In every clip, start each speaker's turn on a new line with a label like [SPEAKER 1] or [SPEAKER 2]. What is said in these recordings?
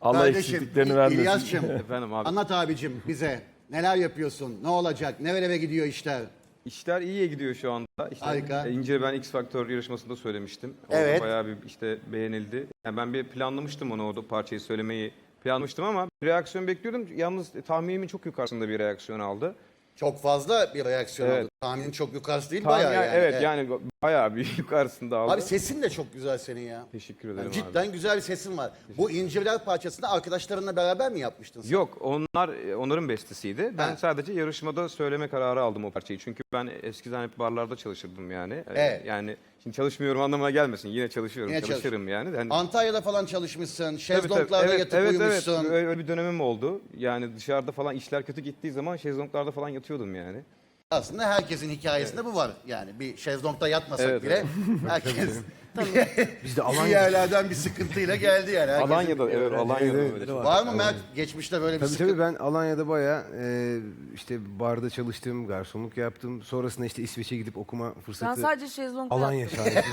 [SPEAKER 1] Allah
[SPEAKER 2] Kardeşim,
[SPEAKER 1] eksikliklerini vermesin.
[SPEAKER 2] İlyas'cığım,
[SPEAKER 3] Efendim abi.
[SPEAKER 2] anlat abicim bize. Neler yapıyorsun? Ne olacak? Nerelere gidiyor işler?
[SPEAKER 3] İşler iyiye gidiyor şu anda. İşte,
[SPEAKER 2] Harika.
[SPEAKER 3] İnce ben X Factor yarışmasında söylemiştim. Orada
[SPEAKER 2] Evet.
[SPEAKER 3] bayağı bir işte beğenildi. Yani ben bir planlamıştım onu orada parçayı söylemeyi planlamıştım ama bir reaksiyon bekliyordum. Yalnız tahminimin çok yukarısında bir reaksiyon aldı.
[SPEAKER 2] Çok fazla bir reaksiyon
[SPEAKER 3] Evet.
[SPEAKER 2] aldı. Tahminin çok yukarısı değil
[SPEAKER 3] Tahmin,
[SPEAKER 2] bayağı yani.
[SPEAKER 3] evet yani bayağı bir yukarısında aldı.
[SPEAKER 2] Abi sesin de çok güzel senin ya.
[SPEAKER 3] Teşekkür ederim
[SPEAKER 2] Yani cidden güzel bir sesin var. Bu İncirler parçasını arkadaşlarınla beraber mi yapmıştın sen?
[SPEAKER 3] Yok onların bestesiydi. Ben
[SPEAKER 2] Ha.
[SPEAKER 3] sadece yarışmada söyleme kararı aldım o parçayı. Çünkü ben eskiden hep barlarda çalışırdım yani.
[SPEAKER 2] Evet.
[SPEAKER 3] Yani şimdi çalışmıyorum anlamına gelmesin. Yine çalışıyorum,
[SPEAKER 2] Yine
[SPEAKER 3] çalışırım yani. Hani,
[SPEAKER 2] Antalya'da falan çalışmışsın.
[SPEAKER 3] tabii,
[SPEAKER 2] Şezlonglarda yatıp uyumuşsun.
[SPEAKER 3] Öyle bir dönemim oldu. Yani dışarıda falan işler kötü gittiği zaman şezlonglarda falan yatıyordum yani.
[SPEAKER 2] Aslında herkesin hikayesinde bu var. Yani bir şezlongda yatmasak
[SPEAKER 3] Evet,
[SPEAKER 2] bile herkes
[SPEAKER 1] Biz de
[SPEAKER 2] bir yerlerden bir sıkıntıyla geldi yani. Herkesin-
[SPEAKER 3] Alanya'da, evet, Alanya'da
[SPEAKER 1] evet,
[SPEAKER 3] öyle.
[SPEAKER 1] evet.
[SPEAKER 2] Var mı Mert? Geçmişte böyle bir
[SPEAKER 1] Tabii
[SPEAKER 2] sıkıntı.
[SPEAKER 1] tabii ben Alanya'da bayağı işte barda çalıştım, garsonluk yaptım. Sonrasında işte İsveç'e gidip okuma
[SPEAKER 4] Sen
[SPEAKER 1] fırsatı.
[SPEAKER 4] sadece şezlongda
[SPEAKER 1] Alanya
[SPEAKER 4] yaptın.
[SPEAKER 1] şahidi.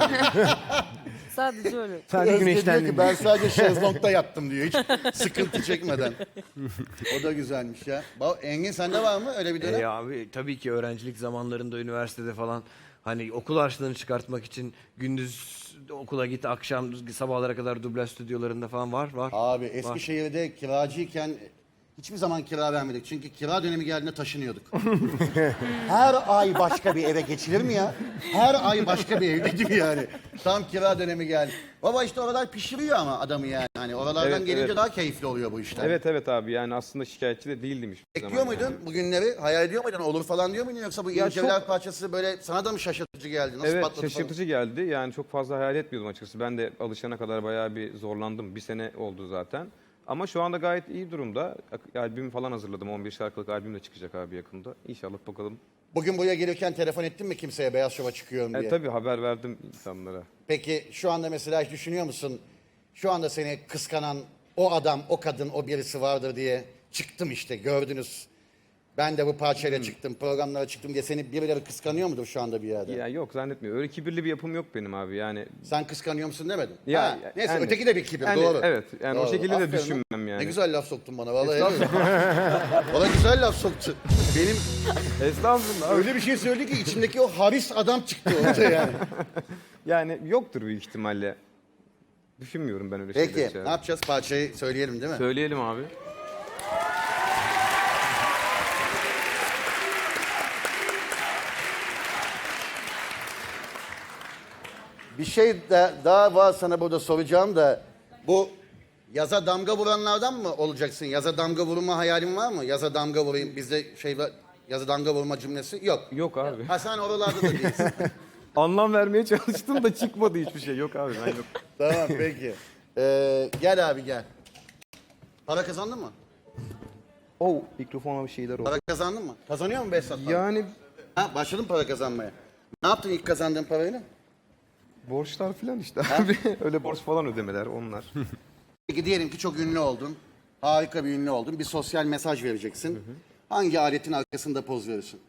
[SPEAKER 4] Sadece öyle.
[SPEAKER 1] Sadece
[SPEAKER 2] Özge diyor ki
[SPEAKER 1] güneşlendim.
[SPEAKER 2] ben sadece şezlongda yattım diyor. Hiç sıkıntı çekmeden. O da güzelmiş ya. Engin sende var mı öyle bir dönem?
[SPEAKER 5] Abi tabii ki öğrencilik zamanlarında üniversitede falan hani okul harçlığını çıkartmak için gündüz okula git, akşam sabahlara kadar dublaj stüdyolarında falan var.
[SPEAKER 2] Abi Eskişehir'de kiracıyken hiçbir zaman kira vermedik. Çünkü kira dönemi geldiğinde taşınıyorduk. Her ay başka bir eve geçilir mi ya? Her ay başka bir evdeydim yani. Tam kira dönemi geldi. Baba işte oralar pişiriyor ama adamı yani. Hani oralardan
[SPEAKER 3] Evet,
[SPEAKER 2] gelince
[SPEAKER 3] evet.
[SPEAKER 2] daha keyifli oluyor bu işler.
[SPEAKER 3] Evet abi yani aslında şikayetçi de değildim hiçbir
[SPEAKER 2] Bekliyor
[SPEAKER 3] zaman
[SPEAKER 2] muydun
[SPEAKER 3] yani.
[SPEAKER 2] bugünleri? Hayal ediyor muydun? Olur falan diyor muydun? Yoksa bu
[SPEAKER 3] Ya
[SPEAKER 2] İncirler
[SPEAKER 3] çok-
[SPEAKER 2] parçası böyle sana da mı şaşırtıcı geldi? Nasıl
[SPEAKER 3] Evet
[SPEAKER 2] patladı
[SPEAKER 3] şaşırtıcı geldi. Yani çok fazla hayal etmiyordum açıkçası. Ben de alışana kadar bayağı bir zorlandım. Bir sene oldu zaten. Ama şu anda gayet iyi durumda. Albüm falan hazırladım. 11 şarkılık albüm de çıkacak abi yakında. İnşallah bakalım.
[SPEAKER 2] Bugün buraya gelirken telefon ettin mi kimseye Beyaz Şov'a çıkıyorum diye?
[SPEAKER 3] Tabii haber verdim insanlara.
[SPEAKER 2] Peki şu anda mesela hiç düşünüyor musun? Şu anda seni kıskanan o adam, o kadın, o birisi vardır diye çıktım işte gördünüz. Ben de bu parçayla çıktım, programlara çıktım diye seni birileri kıskanıyor mudur şu anda bir yerde?
[SPEAKER 3] Ya yok zannetmiyorum. Öyle kibirli bir yapım yok benim abi. Yani
[SPEAKER 2] Sen kıskanıyor musun demedin.
[SPEAKER 3] Ya,
[SPEAKER 2] Ha, neyse
[SPEAKER 3] yani-
[SPEAKER 2] öteki de bir kibir
[SPEAKER 3] yani
[SPEAKER 2] doğru.
[SPEAKER 3] evet, yani o
[SPEAKER 2] Doğru.
[SPEAKER 3] şekilde de
[SPEAKER 2] Aferin lan.
[SPEAKER 3] düşünmem yani.
[SPEAKER 2] Ne güzel laf soktun bana vallahi. Bana güzel laf soktu. Benim
[SPEAKER 3] Estağfurullah.
[SPEAKER 2] öyle bir şey söyledi ki içimdeki o haris adam çıktı ortaya yani.
[SPEAKER 3] Yani yoktur büyük ihtimalle. Düşünmüyorum ben öyle
[SPEAKER 2] Peki
[SPEAKER 3] şeyler.
[SPEAKER 2] ne yapacağız? Parçayı söyleyelim değil mi?
[SPEAKER 3] Söyleyelim abi.
[SPEAKER 2] Bir şey daha var sana burada soracağım da bu yaza damga vuranlardan mı olacaksın? Yaza damga vurma hayalin var mı? Yaza damga vurayım bizde şey var, yaza damga vurma cümlesi yok.
[SPEAKER 3] Yok abi.
[SPEAKER 2] Ha sen oralarda da değilsin.
[SPEAKER 3] Anlam vermeye çalıştım da çıkmadı hiçbir şey. Yok abi ben yok.
[SPEAKER 2] Tamam peki. Gel abi gel. Para kazandın mı?
[SPEAKER 3] Oh mikrofona bir şeyler oldu.
[SPEAKER 2] Para kazandın mı? Kazanıyor mu Behzat? para?
[SPEAKER 3] Yani
[SPEAKER 2] Ha, başladın para kazanmaya. Ne yaptın ilk kazandığın parayla?
[SPEAKER 3] borçlar falan işte abi. Öyle borç falan ödemeler onlar.
[SPEAKER 2] Peki diyelim ki çok ünlü oldun. Harika bir ünlü oldun. Bir sosyal mesaj vereceksin. Hangi aletin arkasında poz verirsin?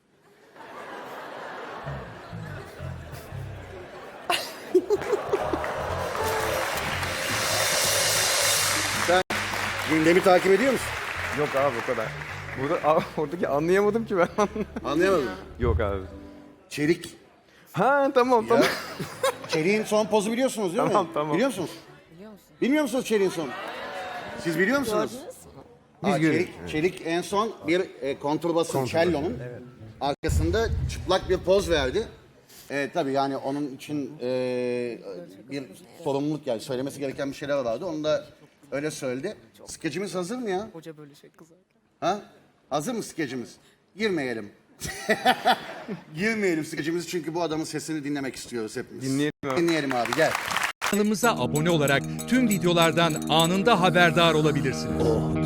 [SPEAKER 2] Sen gündemi takip ediyor musun?
[SPEAKER 3] Yok abi o kadar. Oradaki anlayamadım ki ben.
[SPEAKER 2] Anlayamadım.
[SPEAKER 3] Yok abi.
[SPEAKER 2] Çelik.
[SPEAKER 3] Ha tamam tamam.
[SPEAKER 2] Çelik'in son pozu biliyorsunuz değil mi?
[SPEAKER 3] Tamam.
[SPEAKER 2] Biliyor musunuz?
[SPEAKER 4] Biliyor musun?
[SPEAKER 2] Bilmiyor musunuz Çelik'in son? Siz biliyor musunuz?
[SPEAKER 1] Biz görüyoruz.
[SPEAKER 2] Çelik en son bir kontrbasın cello'nun arkasında çıplak bir poz verdi. Tabii yani onun için bir sorumluluk yani söylemesi gereken bir şeyler vardı. Onu da öyle söyledi. Skecimiz hazır mı ya?
[SPEAKER 4] Hoca böyle şey kızarken.
[SPEAKER 2] Ha? Hazır mı skecimiz? Girmeyelim. Girmeyelim skecimizi çünkü bu adamın sesini dinlemek istiyoruz hepimiz.
[SPEAKER 3] Dinleyelim abi.
[SPEAKER 2] Dinleyelim abi gel.
[SPEAKER 6] Kanalımıza abone olarak tüm videolardan anında haberdar olabilirsiniz.